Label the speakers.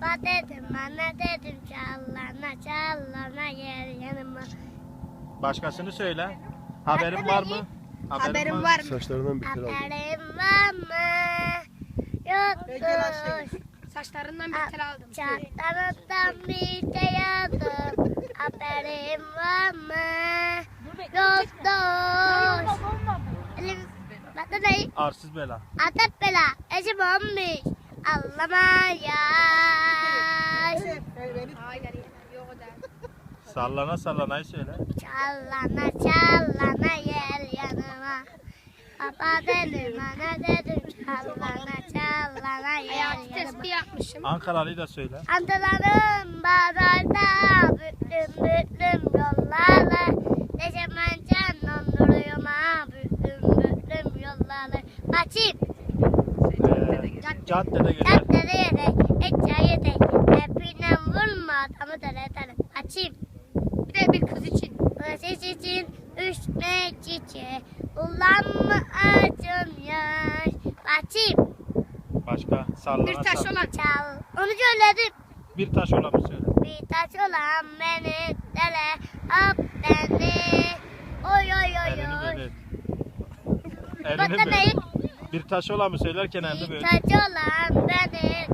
Speaker 1: Baba dedim, anne dedim, çallana çallana gel yanıma.
Speaker 2: Başkasını söyle. Haberin var mı?
Speaker 3: Haberin var mı?
Speaker 4: Saçlarından bir tel aldım.
Speaker 1: Haberim var mı? Yoktur.
Speaker 3: Saçlarından bir tel aldım.
Speaker 1: Çatlarından bir tel aldım. Haberim var mı? Yoktur. Elim, bak da ne?
Speaker 2: Arsız bela.
Speaker 1: Atat bela, eşim olmuş. Allah'ıma yaş.
Speaker 3: Hayır, yok o da.
Speaker 2: Sallana sallanayı söyle.
Speaker 1: Çallana çallana gel yanıma. Baba dedim, anne dedim, çallana çallana
Speaker 3: Hayatı
Speaker 1: gel yanıma.
Speaker 3: tespih yapmışım.
Speaker 2: Ankaralıyı da söyle.
Speaker 1: Antalarım bağlarda, büklüm büklüm yollarla. Ne zaman can donduruyorum ha, büklüm büklüm yollarla. Açayım,
Speaker 2: Caddede gelir.
Speaker 1: dertlere yedek, et yedek. Hepine vurma adamı dele. Açayım.
Speaker 3: Bir de bir kız için.
Speaker 1: Siz için üstüne çiçeği, ulan mı acım yaş. Açayım,
Speaker 2: Başka sallana
Speaker 3: Bir taş
Speaker 2: sallana.
Speaker 3: olan.
Speaker 1: çal. Onu söyledim.
Speaker 2: Bir taş olanı söyle.
Speaker 1: Bir taş olan beni dele, hop beni. Oy oy oy
Speaker 2: Elini
Speaker 1: oy.
Speaker 2: böyle.
Speaker 1: Bak
Speaker 2: Elini
Speaker 1: da
Speaker 2: böyle.
Speaker 1: ne?
Speaker 2: Bir taş olan mı söylerken elini
Speaker 1: Bir
Speaker 2: böyle.
Speaker 1: taş olan beni